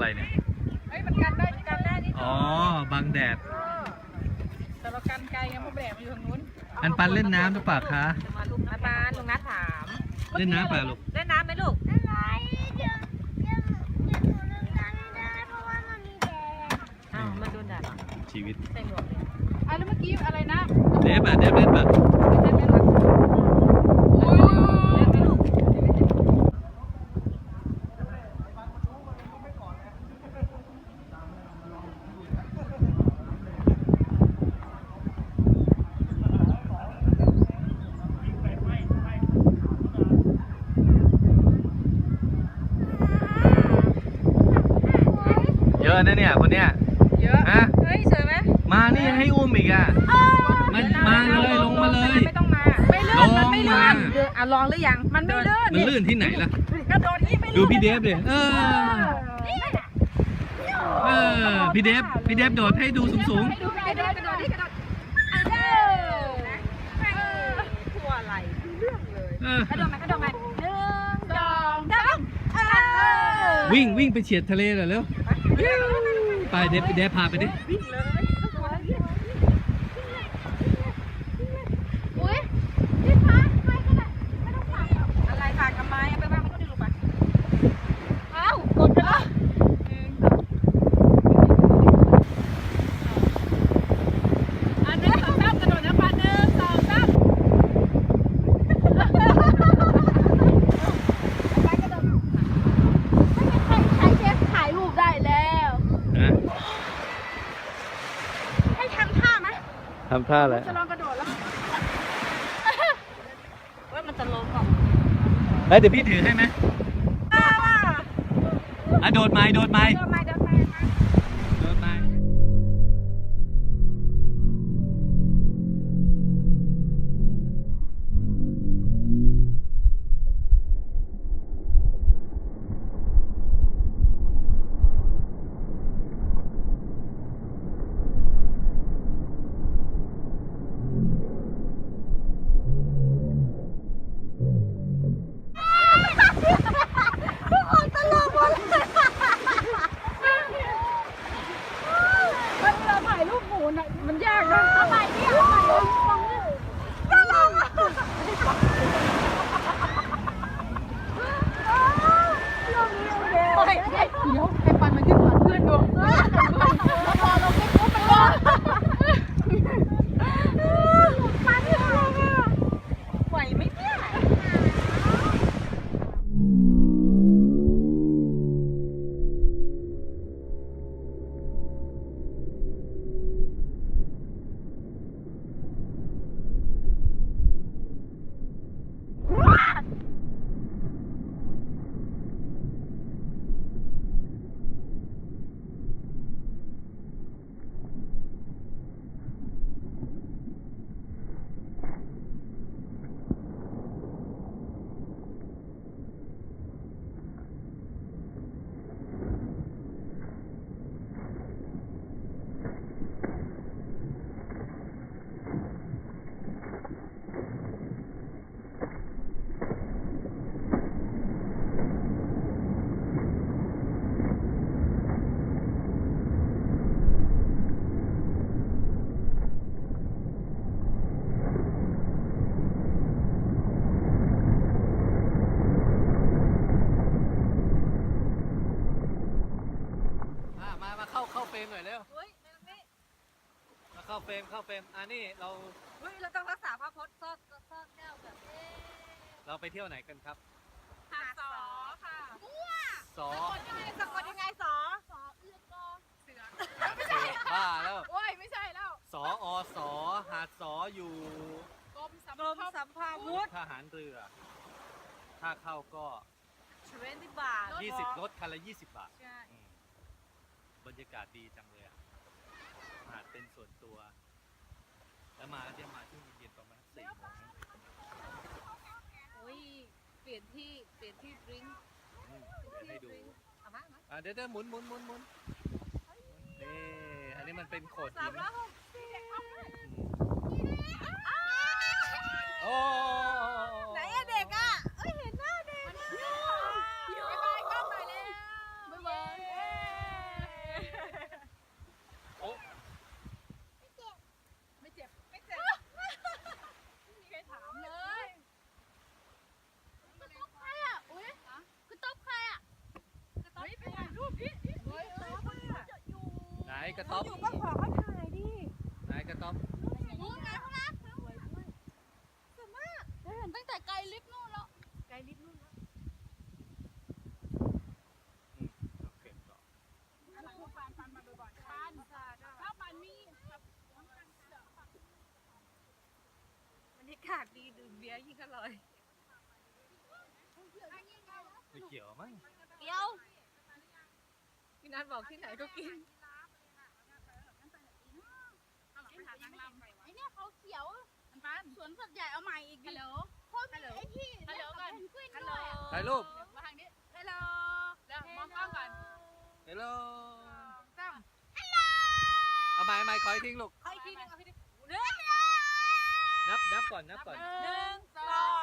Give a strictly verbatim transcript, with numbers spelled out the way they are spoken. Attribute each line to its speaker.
Speaker 1: อะไรเนี่ย
Speaker 2: เฮ้ยมันกันได้กันได้นี่
Speaker 1: อ๋อบังแดด
Speaker 2: แต่เรากันไกลไงเพราะแดดมันอยู่ทางนู้น
Speaker 1: อันปันเล่นน้ำหรือเปล่าคะ
Speaker 2: มาลูกอันปันลุงนัทถาม
Speaker 1: เล่นน้ำเปล่าลูก
Speaker 2: เล่นน้ำไหมลูก
Speaker 3: อะไรเดี๋ยวเดี๋ยวเดี๋ยวหนูเล่นน้ำไม่ได้เพราะว่ามันมีแดด
Speaker 2: อ้าวมันโดนแดด
Speaker 1: ชีวิต
Speaker 2: ใส่หมวกเลยอ่ะแล้วเมื่อกี้อะไรนะ
Speaker 1: เดฟอะเดฟเล่นปะเยอะนะเนี่ยคนเนี้ย
Speaker 2: เยอะฮะเฮ้ยสวยไหม
Speaker 1: มานี่ให้อุ้มอีกอ่ะมันมาเลยลงมาเลย
Speaker 2: ไม่ต้องมาไม่ลื่นมันไม่ลื่นอ่ะลองหรือยังมันไม่ลื่น
Speaker 1: มันลื่นที่ไหนล่ะ
Speaker 2: กระโดดนี่ไม่ลื่น
Speaker 1: ดูพี่เดฟเลยเออเออพี่เดฟพี่เดฟโดดให้ดูสูงสูง
Speaker 2: ให้ดูกระโดดกระโดดนี่กระโดดเออทั่วไหลเรื่องเลยกระโดดไหมกระโดดไหมหนึ่งสองสาม
Speaker 1: วิ่งวิ่งไปเฉียดทะเลเลยเร็วไปเดฟเดฟพาไปดิ
Speaker 2: วิ่งเลยอุ้ยพี่พักไปก็ได้ไม่ต้องฝากอะไรฝากทำไมไปบ้างไม่ต้องดูไปเอ้ากดไปแล้วอันนี้สองสามกระโดดนะปาหนึ่งสองสามใช้เชฟถ่ายรูปได้แล้วให้ทำท่าไหม
Speaker 1: ทำท่าอะไร
Speaker 2: จะลองกระโดดแล้วว่ามันจะลงก่อน
Speaker 1: แล้วเดี๋ยวพี่ถือให้ไหมอ่ะโดดไม้โดดไม้
Speaker 2: โดดไม้โดดไม้
Speaker 1: โดดไม้
Speaker 2: มันยากนะทำไมเนี่ยลองดิจะลองอ่ะลองดิโอเคเดี๋ยวให้ปันมันขึ้นก่อนเพื่อนดูพอเราไม่ปุ๊บมันก็ปันขึ้นลงอ่ะไหวไหมเนี่ย
Speaker 1: เข้าเฟรมหน่อยเร็วมาเข้าเฟรมเข้าเฟรมอันนี้เรา
Speaker 2: เฮ้ยเราต้องรักษาพระพจน์ซ่อนซ่อนแก้วแบบเอ๊ะ
Speaker 1: เราไปเที่ยวไหนกันครับ
Speaker 2: หาดสอค่ะ
Speaker 1: สอ
Speaker 2: สะกดยังไงสอสอเอื้อกอเสือไม่ใช่
Speaker 1: บ้าแล้ว
Speaker 2: โอ้ยไม่ใช่แล้ว
Speaker 1: สออสอหาดสออยู่
Speaker 2: กรมสัมภาวุธ
Speaker 1: ทหารเรือถ้าเข้าก็
Speaker 2: ยี่สิบบาท
Speaker 1: ยี่สิบรถคันละยี่สิบบาท
Speaker 2: ใช่
Speaker 1: บรรยากาศดีจังเลยหาดเป็นส่วนตัวแล้วมาจะมาช่วงเย็นประมาณสี่โมง
Speaker 2: โอ้ยเปลี่ยนที่เปลี่ยนที่ดริงก์
Speaker 1: ให้ดู
Speaker 2: เอามา
Speaker 1: อ่ะเดี๋ยวเดี๋ยวหมุนหมุนหมุนหมุนนี่อันนี้มันเป็นโขดหินโอ้
Speaker 2: ไหนอะเด็กอะเอ้ยเห็นหน้าเด็กอะบ๊ายบายกล้องหน่อยเลยบ๊ายบาย
Speaker 1: กระต๊อบ
Speaker 2: อยู่ก็ขอเขาถ่ายดิ
Speaker 1: ไหนกระต๊อบ
Speaker 3: นู่นไงพวกเราสวยด้วยสวยมากได้เห็นตั้งแต่ไกลลิฟต์นู่นแล้ว
Speaker 2: ไกลลิฟต์นู่นแล้ว
Speaker 1: อืมโอเคต่อบ
Speaker 2: รรยากาศดีดื่มเบียร์ยิ่งอร่อย
Speaker 1: ไม่เกี่ยวมั้ง
Speaker 3: เดี๋ยว
Speaker 2: พี่นัทบอกที่ไหนก็กิน
Speaker 3: ไอเนี่ยเขาเขียวสวนสัตว์ใหญ่เอาใหม่อีกฮัลโหลเพราะมีไอที่
Speaker 2: ฮัลโหลก่อน
Speaker 3: เพนกวิน
Speaker 2: ฮัลโหล
Speaker 3: ด้วยอะ
Speaker 1: ถ่ายรูป
Speaker 2: มาทางนี้ฮัลโหลเดี๋ยวมองกล้องก่อน
Speaker 1: เฮลโล
Speaker 2: สาม
Speaker 1: เอาไม้ไม้คอยทิ้งลูก
Speaker 2: เอาอีกทีหนึงเอาอีกทีหนึงหนึ่ง
Speaker 1: นับนับก่อนนับก่อน
Speaker 2: หนึ่งสอง